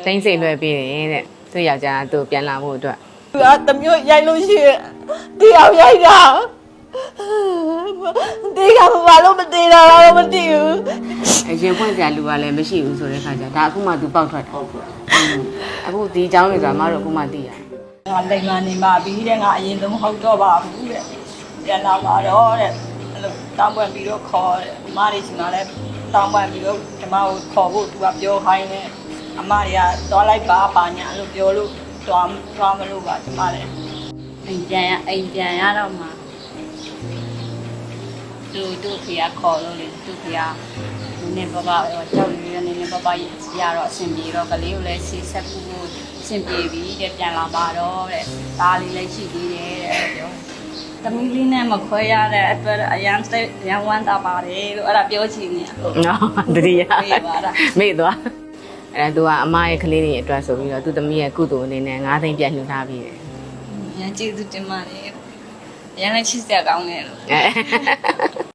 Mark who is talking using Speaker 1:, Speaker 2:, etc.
Speaker 1: တိတ်စိတ်လွယ်ပြီးတယ်တဲ့သူ့ယောက်ျားသူ့ပြန်လာဖို့အတွက်
Speaker 2: တမျိုးရိုက်လို့ရှိရင်တရားရိုက်တာတေးကဘာလို့မတေးတာတော့မသိဘူး
Speaker 1: အရင်ဖွင့်ကြလူကလည်းမရှိဘူးဆိုတဲ့ခါကျဒါအခုမှသူပေါက်ထွက်တာအခုဒီအကြောင်းတွေဆိုတာမတို့အခုမှသိရတယ်
Speaker 2: ငါလိမ်မာနေပါပြီတဲ့ငါအရင်ဆုံးဟုတ်တော့ပါဘူးတဲ့ပြန်လာပါတော့တဲ့အဲ့လိုတောင်းပန်ပြီးတော့ခေါ်တယ်အမတွေရှင်ကလည်းတောင်းပန်ပြီးတော့ဒီမကိုခေါ်ဖို့သူကပြောခိုင်းတယ်အမတွေကသွားလိုက်ပါညာလို့ပြောလို့သွားမလို့ပါဒီမလည်း
Speaker 3: အိမ်ပြန်ရတော့မှသူ့ဖေကခေါ်လို့လေသူ့ဖေကနည်းပါကြောက်ရွံ့နေပါပါရတော့အဆင်ပြေတော့ကလေးကိုလည်းဆေးဆက်ဖို့အဆင်ပြေပြီတဲ့ပြန်လာပါတော့တဲ့ဒါလေးလည်းရှိသေးတယ်တဲ့ပြောသမီးလေးနဲ့မခွဲရတဲ့အတွက်အရန်စိတ်ရန်ဝမ်းသာပါတယ်လို့အဲ့ဒါပြောချင်နေ
Speaker 1: နော်တတိယမေ့သွားအဲ့ဒါသူကအမရဲ့ကလေးတွေအတွက်ဆိုပြီးတော့သူ့သမီးရဲ့ကုသိုလ်အနေနဲ့9သိန်းပြန်လှူထားပြီးတယ်
Speaker 3: ရန်ကျေးဇူးတင်ပါတယ်ရန်လည်းချစ်စရာကောင်းတယ်လို့